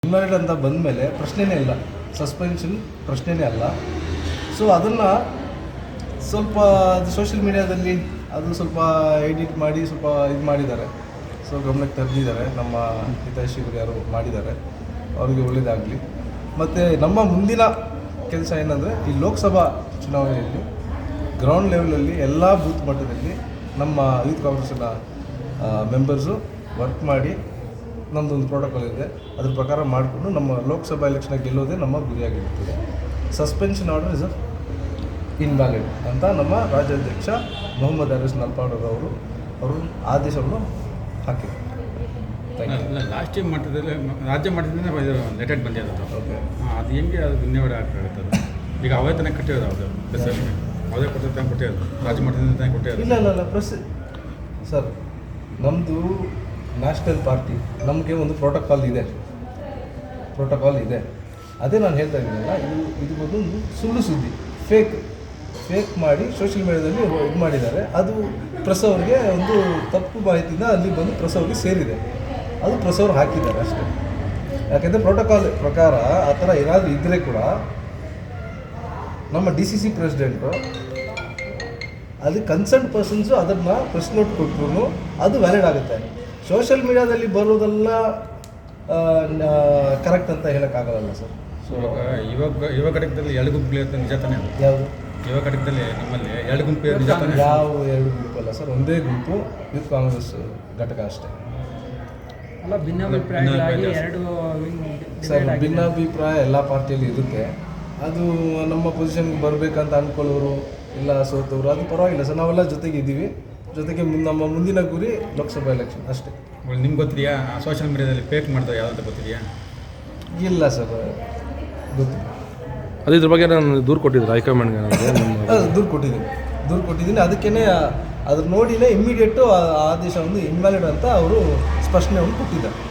Invalid ಅಂತ ಬಂದಮೇಲೆ ಪ್ರಶ್ನೆನೇ ಇಲ್ಲ, ಸಸ್ಪೆನ್ಷನ್ ಪ್ರಶ್ನೆನೇ ಅಲ್ಲ. ಸೊ ಅದನ್ನು ಸ್ವಲ್ಪ ಸೋಷಿಯಲ್ ಮೀಡಿಯಾದಲ್ಲಿ ಅದು ಸ್ವಲ್ಪ ಎಡಿಟ್ ಮಾಡಿ ಸ್ವಲ್ಪ ಇದು ಮಾಡಿದ್ದಾರೆ. ಸೊ ಗಮನಕ್ಕೆ ತರ್ದಿದ್ದಾರೆ, ನಮ್ಮ ಹಿತೈಷಿಗಳು ಯಾರು ಮಾಡಿದ್ದಾರೆ, ಅವರಿಗೆ ಒಳ್ಳೆಯದಾಗಲಿ. ಮತ್ತು ನಮ್ಮ ಮುಂದಿನ ಕೆಲಸ ಏನಂದರೆ ಈ ಲೋಕಸಭಾ ಚುನಾವಣೆಯಲ್ಲಿ ಗ್ರೌಂಡ್ ಲೆವೆಲಲ್ಲಿ ಎಲ್ಲ ಬೂತ್ ಮಟ್ಟದಲ್ಲಿ ನಮ್ಮ ಯೂತ್ ಕಾಂಗ್ರೆಸ್ನ ಮೆಂಬರ್ಸು ವರ್ಕ್ ಮಾಡಿ ನಮ್ಮದೊಂದು ಪ್ರೋಟೋಕಾಲ್ ಇದೆ, ಅದ್ರ ಪ್ರಕಾರ ಮಾಡಿಕೊಂಡು ನಮ್ಮ ಲೋಕಸಭಾ ಎಲೆಕ್ಷನ್ ಗೆಲ್ಲೋದೇ ನಮ್ಮ ಗುರಿಯಾಗಿರ್ತದೆ. ಸಸ್ಪೆನ್ಷನ್ ಆರ್ಡರ್ ಇಸ್ ಇನ್ವ್ಯಾಲಿಡ್ ಅಂತ ನಮ್ಮ ರಾಜ್ಯಾಧ್ಯಕ್ಷ ಮೊಹಮ್ಮದ್ ಅರೀಸ್ ನಲ್ಪಾಡರ್ ಅವರು ಆದೇಶವನ್ನು ಹಾಕಿದರು. ಲಾಸ್ಟ್ ಟೈಮ್ ಮಟ್ಟದಲ್ಲಿ ರಾಜ್ಯ ಮಟ್ಟದಿಂದ ಲೆಟೆಡ್ ಬಂದಿರೋದು. ಓಕೆ, ಅದು ಹೆಂಗೆ ಅದು ಧನ್ಯವಾದ ಆಗ್ತದೆ. ಈಗ ಅವೇ ತಾನೇ ಕಟ್ಟಿರೋದು, ಅವ್ರದ್ದು ಪ್ರೆಸ್ಗೆ ಅವೇ ಕೊಟ್ಟು ಕೊಟ್ಟಿರೋದು, ರಾಜ್ಯ ಮಟ್ಟದಿಂದ ತಾನೇ ಕೊಟ್ಟಿರೋದು. ಇಲ್ಲ ಪ್ರೆಸ್ ಸರ್, ನಮ್ಮದು ನ್ಯಾಷನಲ್ ಪಾರ್ಟಿ, ನಮಗೆ ಒಂದು ಪ್ರೋಟೋಕಾಲ್ ಇದೆ. ಅದೇ ನಾನು ಹೇಳ್ತಾ ಇದ್ದೀನಲ್ಲ, ಇದು ಒಂದು ಸುಳ್ಳು ಸುದ್ದಿ, ಫೇಕ್ ಮಾಡಿ ಸೋಷಿಯಲ್ ಮೀಡಿಯಾದಲ್ಲಿ ಇದು ಮಾಡಿದ್ದಾರೆ. ಅದು ಪ್ರೆಸ್ ಅವ್ರಿಗೆ ಒಂದು ತಪ್ಪು ಮಾಹಿತಿಯಿಂದ ಅಲ್ಲಿ ಬಂದು ಪ್ರೆಸ್ ಅವ್ರಿಗೆ ಸೇರಿದೆ, ಅದು ಪ್ರೆಸ್ ಅವ್ರು ಹಾಕಿದ್ದಾರೆ ಅಷ್ಟೇ. ಯಾಕೆಂದರೆ ಪ್ರೋಟೋಕಾಲ್ ಪ್ರಕಾರ ಆ ಥರ ಏನಾದರೂ ಇದ್ದರೆ ಕೂಡ ನಮ್ಮ DCC ಪ್ರೆಸಿಡೆಂಟು ಅದು ಕನ್ಸರ್ನ್ ಪರ್ಸನ್ಸು ಅದನ್ನು ಪ್ರೆಸ್ ನೋಟ್ ಕೊಟ್ಟರು ಅದು ವ್ಯಾಲಿಡ್ ಆಗುತ್ತೆ. ಸೋಷಿಯಲ್ ಮೀಡಿಯಾದಲ್ಲಿ ಬರೋದೆಲ್ಲ ಕರೆಕ್ಟ್ ಅಂತ ಹೇಳೋಕ್ಕಾಗಲ್ಲ ಸರ್. ಸೊ ಯುವ ಘಟಕದಲ್ಲಿ ಎರಡು ಗುಂಪುಗಳು ನಿಜ ತಾನೇ? ಯಾವುದು ಯುವ ಘಟಕದಲ್ಲಿ ನಿಮ್ಮಲ್ಲಿ ಎರಡು ಗುಂಪು ನಿಜ ತಾನೇ? ಯಾವ ಎರಡು ಗುಂಪು ಅಲ್ಲ ಸರ್, ಒಂದೇ ಗುಂಪು ಯೂತ್ ಕಾಂಗ್ರೆಸ್ ಘಟಕ ಅಷ್ಟೇ. ಅಲ್ಲ, ಭಿನ್ನಾಭಿಪ್ರಾಯಗಳಾಗಿ ಎರಡು ಸರ್, ಭಿನ್ನಾಭಿಪ್ರಾಯ ಎಲ್ಲ ಪಾರ್ಟಿಯಲ್ಲಿ ಇರುತ್ತೆ. ಅದು ನಮ್ಮ ಪೊಸಿಷನ್ಗೆ ಬರಬೇಕಂತ ಅಂದ್ಕೊಳ್ಳೋರು ಇಲ್ಲ ಸೋತವರು, ಅದು ಪರವಾಗಿಲ್ಲ ಸರ್, ನಾವೆಲ್ಲ ಜೊತೆಗೆ ಇದ್ದೀವಿ. ಜೊತೆಗೆ ನಮ್ಮ ಮುಂದಿನ ಗುರಿ ಲೋಕಸಭಾ ಎಲೆಕ್ಷನ್ ಅಷ್ಟೇ. ನಿಮ್ಗೆ ಗೊತ್ತಿದೆಯಾ ಸೋಷಿಯಲ್ ಮೀಡಿಯಾದಲ್ಲಿ ಫೇಕ್ ಮಾಡ್ತಾರೆ ಯಾವ್ದು ಗೊತ್ತಿದೆಯಾ? ಇಲ್ಲ ಸರ್, ಗೊತ್ತಿಲ್ಲ. ಅದು ಇದ್ರ ಬಗ್ಗೆ ನಾನು ದೂರು ಕೊಟ್ಟಿದ್ದೆ ಹೈಕಮಾಂಡ್ಗೆ. ದೂರು ಕೊಟ್ಟಿದ್ದೀನಿ. ಅದಕ್ಕೇ ಅದ್ರ ನೋಡಿನೇ ಇಮ್ಮಿಡಿಯೇಟು ಆದೇಶ ಒಂದು ಇನ್ವ್ಯಾಲಿಡ್ ಅಂತ ಅವರು ಸ್ಪಷ್ಟನೆಯನ್ನು ಕೊಟ್ಟಿದ್ದಾರೆ.